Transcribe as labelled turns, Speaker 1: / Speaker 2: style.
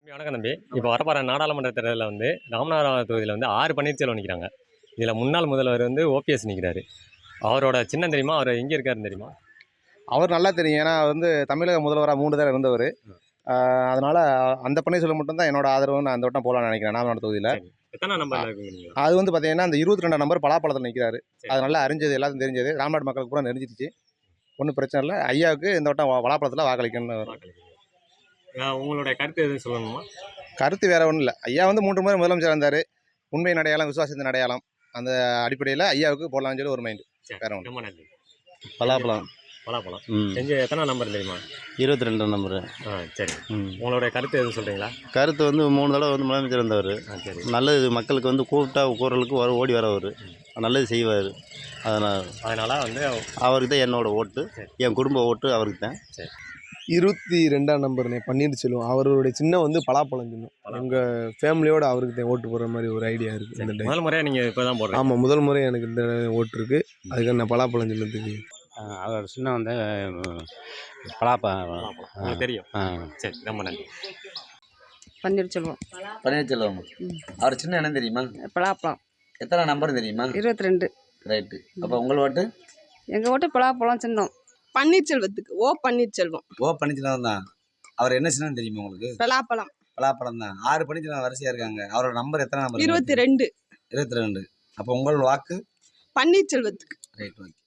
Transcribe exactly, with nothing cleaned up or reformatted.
Speaker 1: வணக்கம் தம்பி. இப்போ வரப்போற நாடாளுமன்ற தேர்தலில் வந்து ராமநாதபுரம் தொகுதியில் வந்து ஆறு பன்னீர்செல்வம் நிற்கிறாங்க. இதில் முன்னாள் முதல்வர் வந்து ஓபிஎஸ் நிற்கிறாரு. அவரோட சின்னம் தெரியுமா? அவர் எங்கே இருக்காருன்னு தெரியுமா?
Speaker 2: அவர் நல்லா தெரியும். ஏன்னா வந்து தமிழக முதல்வராக மூணு தடவை இருந்தவர். அதனால அந்த பன்னீர்செல்வம் மட்டும்தான் என்னோட ஆதரவு. நான் அந்த வட்டம் போகலான்னு நினைக்கிறேன் நாமநாடு தொகுதியில்.
Speaker 1: எத்தனை நம்பர் இருக்குங்க?
Speaker 2: அது வந்து பார்த்தீங்கன்னா அந்த இருபத்தி ரெண்டாம் நம்பர் பலாப்பழத்தில் நிற்கிறாரு. அது நல்லா அறிஞ்சது, எல்லாத்தையும் தெரிஞ்சது. ராமநாடு மக்களுக்கு பூரா நெறிஞ்சிருச்சு. ஒன்றும் பிரச்சனை இல்லை. ஐயாவுக்கு இந்த வட்டம் பலாப்பழத்தில் வாக்களிக்கணும்.
Speaker 1: உங்களுடைய கருத்து எதுவும் சொல்லணுமா?
Speaker 2: கருத்து வேற ஒன்றும் இல்லை. ஐயா வந்து மூன்று முறை முதலமைச்சர் இருந்தார். உண்மை அடையாளம், விசுவாசத்தின் அடையாளம். அந்த அடிப்படையில் ஐயாவுக்கு போடலாம்னு சொல்லி ஒரு மைண்டு. வேற ஒன்று
Speaker 3: பலாப்பழம்
Speaker 1: பலாப்பழம் செஞ்சு எத்தனை நம்பர் தெரியுமா?
Speaker 3: இருபத்தி ரெண்டு நம்பரு.
Speaker 1: ஆ சரி. உங்களுடைய கருத்து எதுவும் சொல்கிறீங்களா?
Speaker 3: கருத்து வந்து மூணு தடவை வந்து முதலமைச்சர் இருந்தவர்.
Speaker 1: சரி.
Speaker 3: நல்லது மக்களுக்கு வந்து கூப்பிட்டா குரலுக்கு வர ஓடி வரவர். நல்லது செய்வார். அதனால்
Speaker 1: அதனால் வந்து
Speaker 3: அவருக்கு தான் என்னோட ஓட்டு. என் குடும்ப ஓட்டு அவருக்கு தான்.
Speaker 1: சரி.
Speaker 4: இருபத்தி ரெண்டாம் நம்பர்னே பன்னீர்செல்வம். அவருடைய சின்னம் வந்து பலாப்பழம் சின்னம். எங்கள் ஃபேமிலியோட அவருக்கு தான் ஓட்டு போடுற மாதிரி ஒரு ஐடியா இருக்குது. இந்த டைம்
Speaker 1: முதல் முறையாக நீங்கள் இப்போ தான் போடுறீங்க?
Speaker 4: ஆமாம், முதல் முறை எனக்கு இந்த ஓட்டு இருக்குது. அதுக்கு நான் பலாப்பழம் சின்னத்துக்கு.
Speaker 3: அவர் சின்னம் வந்து பலாப்பழம்
Speaker 1: உங்களுக்கு தெரியும். சரி, ரொம்ப நன்றி.
Speaker 5: பன்னீர்செல்வம்.
Speaker 6: பன்னீர்செல்வம். அவர் சின்ன என்ன தெரியுமா?
Speaker 5: பலாப்பழம்.
Speaker 6: எத்தனை நம்பர் தெரியுமா?
Speaker 5: இருபத்தி ரெண்டு.
Speaker 6: ரைட்டு. அப்போ உங்கள் ஓட்டு?
Speaker 5: எங்கள் ஓட்டு பலாப்பழம் சின்னம்.
Speaker 7: பன்னீர்செல்வத்துக்கு. ஓ பன்னீர்செல்வம்.
Speaker 6: ஓ பன்னீர்செல்வம் தான். அவர் என்ன சின்னம் தெரியுமா உங்களுக்கு?
Speaker 7: பலாப்பழம்.
Speaker 6: பலாப்பழம் தான். ஆறு பன்னீர்செல்வம் வரிசையாக இருக்காங்க. அவரோட நம்பர் எத்தனை நம்பர்?
Speaker 7: இருபத்தி ரெண்டு.
Speaker 6: இருபத்தி ரெண்டு. அப்போ உங்கள் வாக்கு?
Speaker 7: பன்னீர்செல்வத்துக்கு.
Speaker 6: Right, okay.